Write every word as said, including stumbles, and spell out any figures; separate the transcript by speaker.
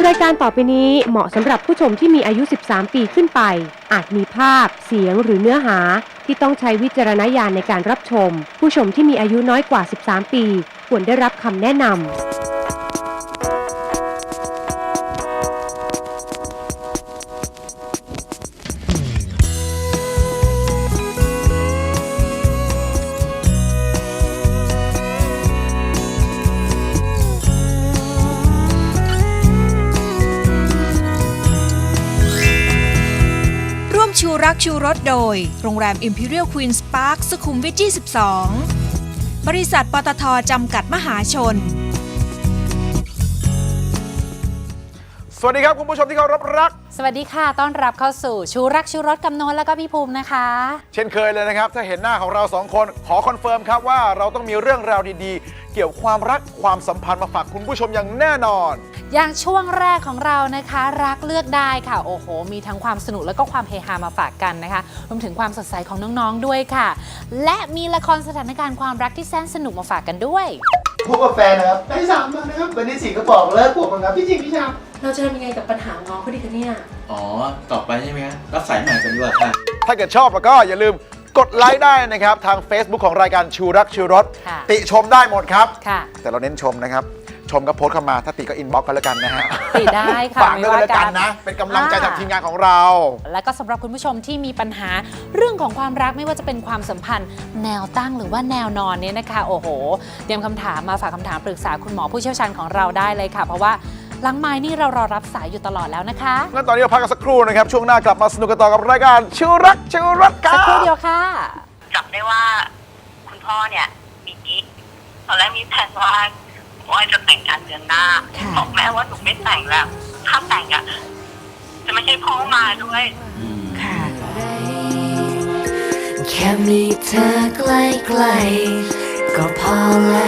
Speaker 1: รายการต่อไปนี้เหมาะสำหรับผู้ชมที่มีอายุสิบสามปีขึ้นไปอาจมีภาพเสียงหรือเนื้อหาที่ต้องใช้วิจารณญาณในการรับชมผู้ชมที่มีอายุน้อยกว่าสิบสามปีควรได้รับคำแนะนำ
Speaker 2: ชูรักชูรสโดยโรงแรม Imperial Queen's Park สุขุมวิท ยี่สิบสอง บริษัทปตท.จำกัดมหาชน
Speaker 3: สวัสดีครับคุณผู้ชมที่เคารพรัก
Speaker 4: สวัสดีค่ะต้อนรับเข้าสู่ชูรักชูรสกับโน้ตแล้วก็พี่ภูมินะคะ
Speaker 3: เช่นเคยเลยนะครับถ้าเห็นหน้าของเราสองคนขอคอนเฟิร์มครับว่าเราต้องมีเรื่องราวดีๆเกี่ยวความรักความสัมพันธ์มาฝากคุณผู้ชมอย่างแน่นอน
Speaker 4: อย่างช่วงแรกของเรานะคะรักเลือกได้ค่ะโอ้โหมีทั้งความสนุกแล้วก็ความเฮฮามาฝากกันนะคะรวมถึงความสดใสของน้องๆด้วยค่ะและมีละครสถานการณ์ความรักที่แสนสนุกมาฝากกันด้วย
Speaker 5: พบกับแฟนนะครับได้สามวันนะครับวันที่สี่ก็บอกเลิกผมครับพี่จริงพี่ชาม
Speaker 1: เราจะทำยังไงกับปัญหาน้องเขาดีคะเนี่ย
Speaker 6: อ๋อต่อไปใช่ไหมครับรับสายใหม่กันดีกว่าค่ะ
Speaker 3: ถ้าเกิดชอบแล้วก็อย่าลืมกดไลค์ได้นะครับทาง Facebook ของรายการชูรักชูรสติชมได้หมดครับแต่เราเน้นชมนะครับชมก็โพสต์เข้ามาถ้าติก็อินบ็อกซ์กันแล้วกันนะฮะ
Speaker 4: ติได้ค่ะ
Speaker 3: ฝากด้วยแล้วกันนะเป็นกำลังใจจากทีมงานของเรา
Speaker 4: และก็สำหรับคุณผู้ชมที่มีปัญหาเรื่องของความรักไม่ว่าจะเป็นความสัมพันธ์แนวตั้งหรือว่าแนวนอนเนี่ยนะคะโอ้โหเตรียมคำถามมาฝากคำถามปรึกษาคุณหมอผู้เชี่ยวชาญของเราได้เลยค่ะเพราะว่าหลังไม้นี่เรารอรับสายอยู่ตลอดแล้วนะคะ
Speaker 3: งั้นตอนนี้เราพักกันสักครู่นะครับช่วงหน้ากลับมาสนุกกันต่อกับรายการชูรักชูรสครับ
Speaker 4: สักครู่เดียวค่ะ
Speaker 7: จับได้ว่าคุณพ่อเนี่ยมีกิ๊กตอนแรกมีแผนว่าว่าจะแต่งงานเดือนหน้าบอกแม่ว่าหนูไม่แต่งแล้วถ้าแต่งอ่ะจะไม่ใช่พ่อมาด้วย
Speaker 4: ค่ะ
Speaker 8: แค่มีเธอใกล้ๆก็พอแล้